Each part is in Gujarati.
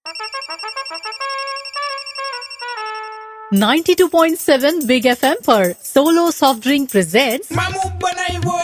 92.7 Big FM पर सोलो सॉफ्ट ड्रिंक प्रेजेंट्स મામુ બનાવ્યો.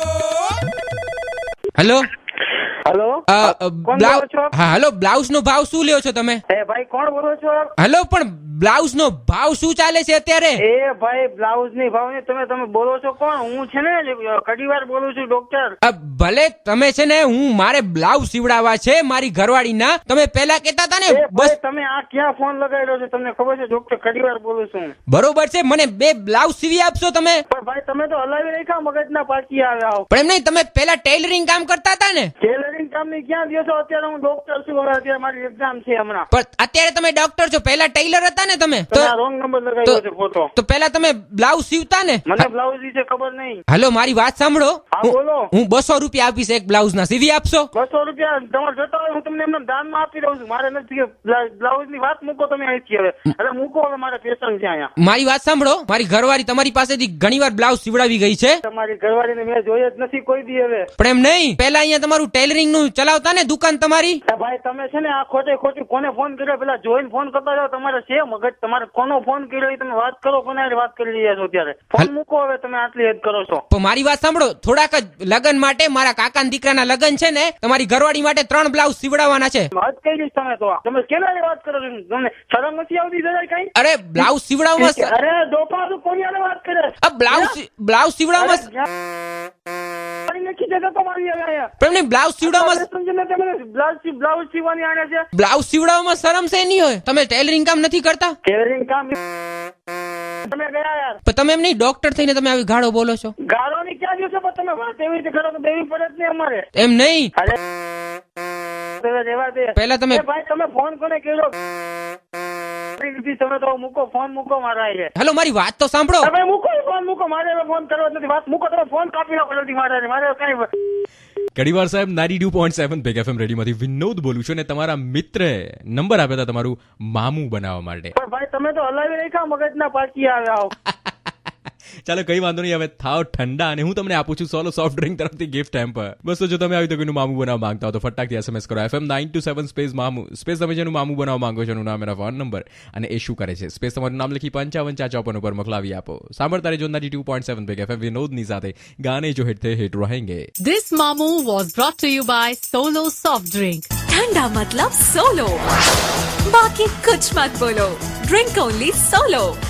હેલો હેલો કોણ બોલો છો? હા હેલો, બ્લાઉઝ નો ભાવ શું લ્યો છો તમે? એ ભાઈ કોણ બોલો છો? હેલો, પણ બ્લાઉઝ નો ભાવ શું ચાલે છે અત્યારે? એ ભાઈ બ્લાઉઝ ની ભાવ ની તમે બોલો છો કોણ? હું છે ને ઘડીવાર બોલું છું ડોક્ટર. ભલે તમે છે ને, હું મારે બ્લાઉઝ સીવડાવવા છે મારી ઘરવાળીના. તમે પેલા કહેતા હતા ને એ બસ. ભાઈ તમે આ ક્યાં ફોન લગાડ્યો છે? તમને ખબર છે ડોક્ટર ઘડીવાર બોલું છું. બરોબર છે, મને 2 બ્લાઉઝ સીવી આપશો તમે? પણ ભાઈ તમે તો હલાવી રાખ્યા મગજના પાછી આવ્યા. પણ એમ નહીં, તમે પેલા ટેલરિંગ કામ કરતા હતા ને? ટેલરિંગ કામ ની ક્યાં દો છો? અત્યારે હું ડોક્ટર છું. હવે અત્યારે મારી એક્ઝામ છે હમણાં. પણ અત્યારે તમે ડોક્ટર છો, પેલા ટેલર હતા ને તમે? તમે આ રોંગ નંબર લગાવ્યો છે ફોટો. તો પેલા તમે બ્લાઉઝ સીવતા ને? મને બ્લાઉઝ વિશે ખબર નહીં. હેલો, મારી વાત સાંભળો. હા બોલો. હું 200 રૂપિયા આપીશ એક બ્લાઉઝ ના, સીવી આપશો? 200 રૂપિયા તમારે જતા હોય હું તમને એમને દાનમાં આપી દઉં છું. મારે નથી બ્લાઉઝ ની વાત મૂકો તમે અહીંથી હવે. અરે મૂકો હવે, મારે પેશન્ટ છે અહીંયા. મારી વાત સાંભળો, મારી ઘરવાળી તમારી પાસેથી ઘણીવાર બ્લાઉઝ સીવડાવી ગઈ છે. તમારી ઘરવાળીને મેં જોઈ જ નથી કોઈ દી હવે. પણ એમ નહીં, પેલા અહીંયા તમારું ટેલરિંગ નું ચલાવતા ને દુકાન તમારી? ભાઈ તમે છે ને આ ખોટું કોને ફોન કર્યો? પેલા જોઈને ફોન કરતા જાવ. તમારે છે મગજ? તમારે કોનો ફોન કર્યો એ તમે વાત કરો. કોને વાત કરી રહ્યા છો અત્યારે? ફોન મૂકો હવે, તમે આટલી હેદ કરો છો. પણ મારી વાત સાંભળો, થોડાક જ લગન માટે, મારા કાકાના દીકરાના લગન છે ને, તમારી ઘરવાળી માટે 3 બ્લાઉઝ સીવડાવવાના છે. વાત કરી દઈશ તમે તો. તમે કેના વાત કરો છો? તમને શરમ નથી આવતી જરા કઈ? અરે બ્લાઉઝ સીવડાવવામાં, અરે દોપા તું કોની હારે વાત કરે? બ્લાઉઝ સીવડાવવામાં નથી જતો તમારી હવે અહીંયા. પણ એમને બ્લાઉઝ સીવડાવવામાં, સમજીને તમે બ્લાઉઝ સીવવાની આને છે. બ્લાઉઝ સીવડાવવામાં શરમ છે નહીં હોય? તમે ટેલરિંગ કામ નથી કરતા? ટેલરિંગ કામ તમે ગયા યાર. પણ તમે એમ નહીં, ડોક્ટર થઈને તમે આવી ગાળો બોલો છો? ગાળોની ક્યાં દિવસો પણ તમે વાત એવી રીતે કરો તો દેવી પડે જ નહીં અમારે. એમ નહીં, અરે રેવા દે. પહેલા તમે ભાઈ તમે ફોન કોને કર્યો? તમે તો મૂકો ફોન, મૂકો મારા છે. હેલો, મારી વાત તો સાંભળો. તમે મૂકો ફોન, મૂકો. મારે હવે ફોન કરવો જ નથી. વાત મૂકો. તમે ફોન કાપી નાખો જલ્દી. મારે કઈ ઘડીવાર સાહેબ 92.7 બિગ એફએમ રેડીયોમાંથી વિનોદ બોલું છું, અને તમારા મિત્રે નંબર આપ્યા હતા તમારું મામું બનાવવા માટે. પણ ભાઈ તમે તો હલાવી રાખ્યા મગજના પાછી આવ્યા. ચાલો કઈ વાંધો નહીં, હવે થાવ ઠંડા અને હું તમને આપું છું સોલો સોફ્ટ ડ્રિંક તરફથી ગિફ્ટ હેમ્પર. બસ તો જો તમે આવી તો કોઈનું મામું બનાવવા માંગતા હો તો ફટાકથી SMS કરો FM 927 સ્પેસ મામું, સ્પેસ તમે જેનું મામું બનાવવા માંગો છો એનું નામ, એના ફોન નંબર અને એ શું કરે છે, સ્પેસ તમારું નામ લખી 5554 ઉપર મોકલાવી આપો. સાંભળતા રહેજો 92.7 બિગ એફએમ વિનોદની સાથે. ગાને જો હિટ થે હિટ રહેંગે. This Mamu was brought to you by Solo Soft Drink. ठंडा मतलब सोलो, बाकी कुछ मत बोलो. Drink only solo.